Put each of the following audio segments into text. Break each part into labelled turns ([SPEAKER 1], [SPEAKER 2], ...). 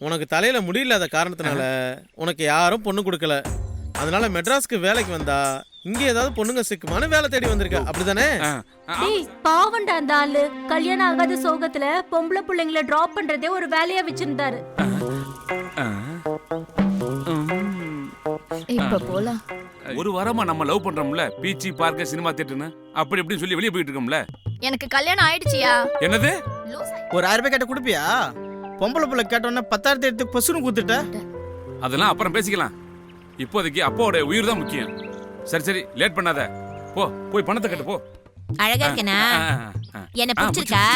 [SPEAKER 1] உனக்கு தலையில முடியலாத காரணத்தினால உனக்கு யாரும் பொண்ணு கொடுக்கல. அதனால மெட்ராஸ்க்கு வேலைக்கு வந்தா இங்க ஏதாவது பொண்ணுங்க சிக்குமானு வேலை தேடி வந்திருக்க, அப்படிதானே?
[SPEAKER 2] டேய் பாவண்டா அந்த ஆளு. கல்யாணம் ஆகாத சோகத்துல பொம்பளை பிள்ளைங்களை டிராப் பண்றதே ஒரு வேலையா வச்சிருந்தாரு.
[SPEAKER 3] இப்ப போலாம்.
[SPEAKER 4] ஒரு வாரமா நம்ம லவ் பண்றோம்ல, பீச்சி பார்க்க சினிமா தியேட்டர்னு அப்படி இப்படின்னு சொல்லி வெளியே போயிட்டு இருக்கோம்ல.
[SPEAKER 3] எனக்கு கல்யாணம் ஆயிடுச்சியா?
[SPEAKER 4] என்னது?
[SPEAKER 5] ஒரு 1000 ரூபாய் கேட்ட கொடுப்பியா? பொம்பளை புள்ள கேட்டோன்னே 10,000 எடுத்து பசுன்னு கொடுத்துட்ட.
[SPEAKER 4] அதெல்லாம் அப்புறம் பேசிக்கலாம். இப்போதைக்கு அப்பாவோட உயிர் தான் முக்கியம். சரி சரி, லேட் பண்ணாத. போய் பணத்தை கட்டு போ.
[SPEAKER 6] அழகா இருக்கனா? என்ன பிடிச்சிருக்கா?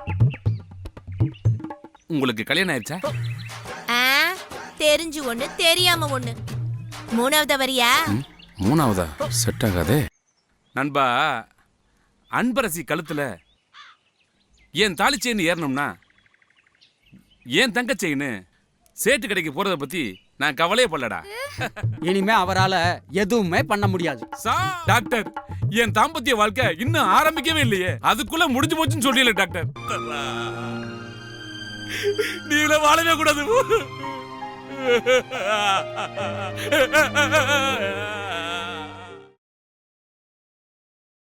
[SPEAKER 4] உங்களுக்கு கல்யாணம் ஆயிடுச்சா?
[SPEAKER 6] தெரிஞ்சு ஒண்ணு தெரியாம ஒண்ணு. மூணாவதா வரியா?
[SPEAKER 4] மூணாவதா? செட் ஆகாதே. நண்பா, அன்பரசி கழுத்துல ஏன் தாலி செயின் ஏறணும்னா ஏன் தங்க செயின் சேட்டு கடைக்கு போறத பத்தி நான் கவலையே படலடா.
[SPEAKER 7] இனிமே அவரால எதுவுமே பண்ண முடியாது.
[SPEAKER 4] டாக்டர், என் தாம்பத்திய வாழ்க்கை இன்னும் ஆரம்பிக்கவே இல்லையே, அதுக்குள்ள முடிஞ்சு போச்சுன்னு சொல்லல டாக்டர். நீங்கள வாழவே கூடாது.